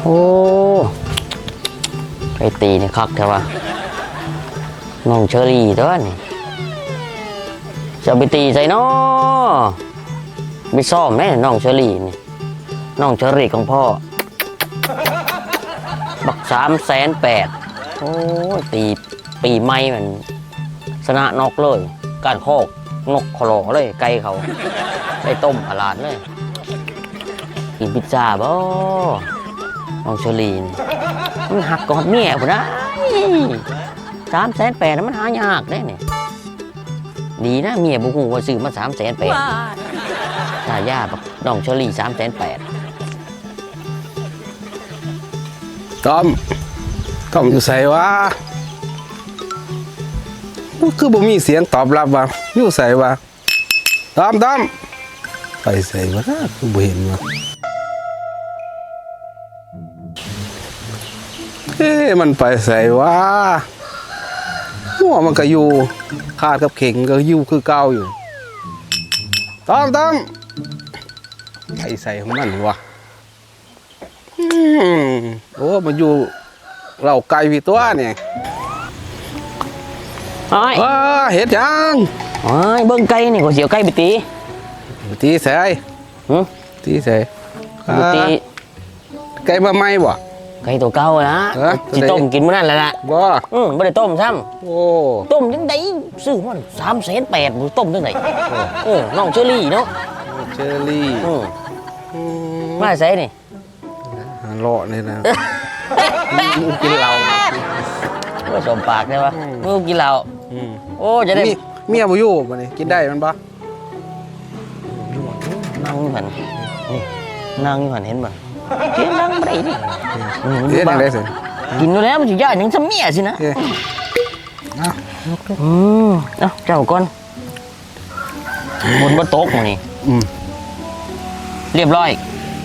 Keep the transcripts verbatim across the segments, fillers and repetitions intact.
โอ้ไปตีนี่คักแค่ว่าน้องเชอรี่ตัวนี่จะไปตีใส่น้อไปซ่อมแม่น้องเชอรี่นี่น้องเชอรี่ของพ่อบักสามแสนแปดโอ้ตีปีใหม่มันชนะนกเลยการโคกนกขลอเลยไก่เขาได้ต้มอาลาดเลยกินพิซซ่าบ่น้องเชอรี่มันหักกอดเมียผมนะสามแสนแปดมันหายากได้เนี่ยดีนะเมียบุกูว่าซื้อมาสามแสนแปดถ้าย่าแบบน้องเชอรี่สามแสนแปดต้อมต้อมอยู่ใส่วะคือบ่มีเสียงตอบรับวะอยู่ใส่วะต้อมต้อมไปใส่วะคือบ่เห็นวะเอ๊ะมันไปใส่วะหัวมันก็อยู่ขาดกับเข่งก็อยู่คือเก่าอยู่ต้อมต้อมไปใส่ของมันวะโอ้มันอยู่เราไก่พี่ตัวเนี่ยไอ้ว้าเห็ดยังไอ้เบิ้งไก่นี่ก็เสียวไก่ไปตีตีใส่หืมตีใส่ตีไก่มาไหมบ่ไก่ตัวเก่านะจิต้มกินมื้อนั้นแหละละบ่อืมไม่ได้ต้มซ้ำโอ้ต้มยังไงซื้อมันสามแสนแปดต้มยังไงโอ้น้องเชอรี่เนาะเชอรี่มาใส่นี่หล่อเลยนะกินเหล้าก็สมปากใช่ปะมึงกินเหล้าโอ้จะได้เมียบ่อยู่บ่นี่กินได้มันปะนั่งหันนี่นั่งหันเห็นมั้ยกินนั่งไม่ได้ดิเห็นได้สิกินแล้วมันจะย่าอย่างซ้ำเมียสินะอืมเอ้าเจ้าก่อนบนบนโต๊ะมานี่เรียบร้อย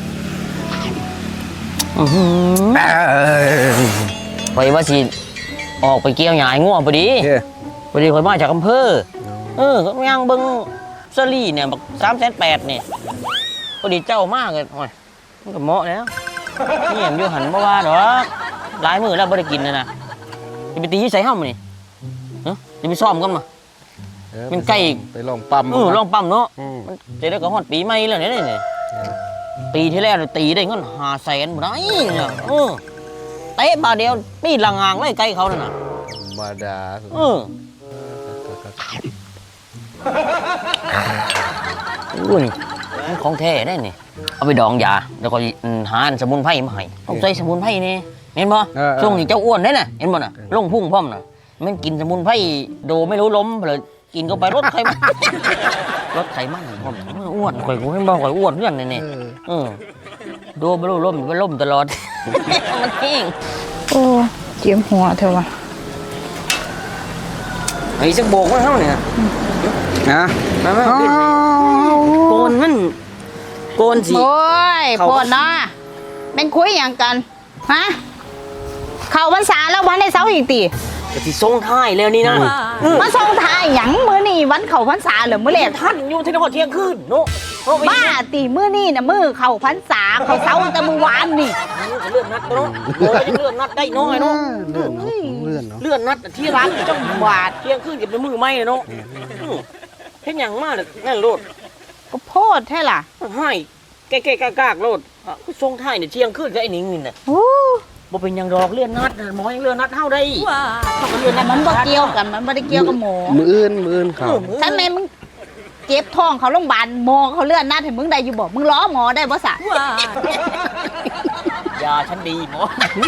ไปว่าสิออกไปเกี่ยวหญ้าง่วงพอดีพอดีคนมาจากอำเภอเออก็ยังเบิ้งเซรี่เนี่ยแบบสามแสนแปดเนี่ยพอดีเจ้ามากเลยโอ้ยมันก็เหมาะแล้วนี่ยมอยู่หันเมื่อวานหรอหลายมือแล้วไม่ได้กินเลยนะจะไปตีใส่ห้องมันนี่จะไปซ่อมกันมามันใกล้ไปลองปั๊มเออลองปั๊มเนาะมันจะได้ก็ฮอดปีใหม่แล้วเนี่ยนี่ตีที่แรกตีได้เงินห้าแสนหมดเลยเนี่ยเออเตะบาเดียวปีละงางไล่ไกลเขาเนี่ยนะบาดาเอออุ้ยมันของแท้ได้นี่เอาไปดองยาแล้วก็หาสมุนไพรมาให้ต้องใส่สมุนไพรนี่เห็นป่ะช่วงนี้เจ้าอ้วนได้น่ะเห็นป่ะน่ะลงพุ่งพร้อมน่ะมันกินสมุนไพรโดไม่รู้ล้มเลยกินก็ไปรถไขมันรถไขมันอ้วนข่อยกูให้บอกข่อยอ้วนเพื่อนนี่นี่เออโดไม่รู้ล้มไปล้มตลอดมันแห้งโอ้เจียมหัวเถอะวะไอ้สักโบกมันเท่าเนี่ยนะโกนมันโกนสิโอ้ยปวดนะเป็นคุยอย่างกันฮะเข่าพรรษาแล้ววันในเสาร์อีกตีจะที่ทรงท้ายแล้วนี่นะมาทรงท้ายหยังมื้อนี่วันเข่าพรรษาเหรือมื้อแรกท่านอยู่ที่นครเที่ยงคืนโน้บ้าตีมื้อนี่นะมื้อเข่าพรรษาเข่าเสาแต่มื้อวานนี่เลื่อนนัดเนาะโอ้ยเลื่อนนัดได้น้อยเนาะเลื่อนเลื่อนเลื่อนนัดเที่ยงคืนจังหวาดเที่ยงคืนกับมือไม่เนาะเห็นอย่างมากเลยนั่นโลดก็โพดแท้ล่ะให้แก่ๆกากๆโลดก็ทรงท้ายเนี่ยเที่ยงคืนกับไอ้นิ่งนี่น่ะบ่เป็นยังดอกเลื่อนนัดหมอยังเลื่อนนัดเท่าได้เลื่อนนัดมันบ่เกี่ยวกันมันบ่ได้เกี่ยวกับหมอมืออื่นมืออื่นเขาถ้าแม่มึงเจ็บท้องเขาโรงพยาบาลหมอเขาเลื่อนนัดให้มึงได้อยู่บ่มึงล้อหมอได้บ่สะยาฉันดีหมอ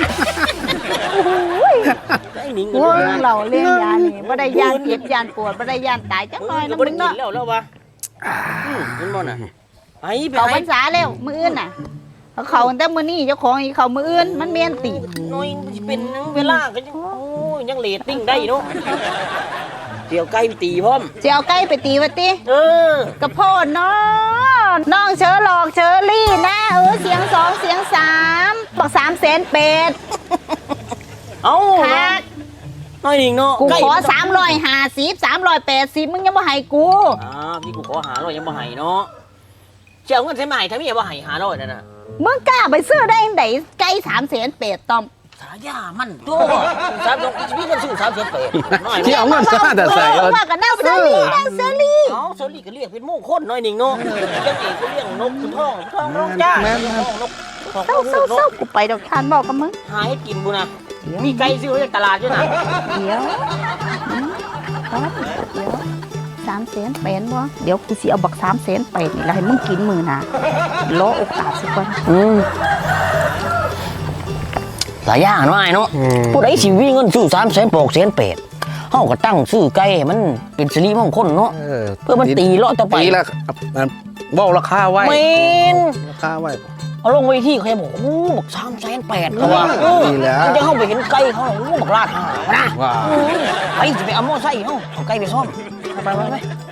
ไอ้นิ่งเราเลี้ยงยานี่บ่ได้ย่านเจ็บย่านปวดบ่ได้ย่านตายจังหน่อยนะมึงเนาะแล้วแล้ววะเห็นบ่น่ะไอ้เขาพรรษาแล้วมื้ออื่นน่ะเขาแต่มื้อนี้เจ้าของอีเขามื้ออื่นมันเมียนตีน้อยเป็นเวลาก็ยังโอ้ยยังเลตติ้งได้เนาะเดี๋ยวไก่ไปตีพร้อมเดี๋ยวไก่ไปตีวะติเออกระโพดเนาะน้องเชอหลอกเชอรี่นะเออเสียงสองเสียงสามบอกสามแสนเป็ดเอ้าน้อยหนิงเนาะกูขอสามร้อยห้าสิบสามร้อยแปดสิบมึงยังบ่ให้กูอ่าพี่กูขอหาร้อยยังบ่ให้เนาะเจ้าเงินใช้ใหม่ถ้าไม่ยังบ่ให้หาร้อยนั่นน่ะมึงกล้าไปซื้อได้ยังไงไก่สามแสนเป็ดต้อมสายามันตัวสามสองชีวิตกันซื้อสามเสียเปรตน้อยที่เอาเงินซะแต่ใส่เออว่ากันนั่งเซอรี่นั่งเซอรี่เอาเซอรี่ก็เรียกเป็นมงคลหน่อยหนึ่งเนาะจังเอกก็เรียกนกคุณท้องท้องนกจ้าท้องนกท้องเศร้าเศร้าเศร้ากูไปดอกทานบอกกับมึงหาให้กินบุนะมีไก่ซื้อจากตลาดด้วยนะเดี๋ยวอืมครับเดี๋ยวสามแสนเป็ดวะเดี๋ยวกูสิเอาบักสามแสนเป็ดนี่แหละให้มึงกินมือนะรอโอกาสสักวันอืมหลายอย่างเนาะไอ้เนาะผู้ใดสิวิ่งเงินซื้อสามแสนปอกแสนเป็ดเฮาก็ตั้งซื้อไก่ให้มันเป็นสิริมงคลเนาะเออเพื่อมันตีเลาะต่อไปตีละเบ้าราคาไว้เมนราคาไว้เอาลงไว้ที่เขาจะบอกโอ้บอกสามแสนแปดเขาว่าดีแล้วมันจะเข้าไปเห็นไก่เขาโอ้บอกลาดหานะว้าไปจะไปเอาหม้อไส้เขาเอาไก่ไปซ่อมไปไปไป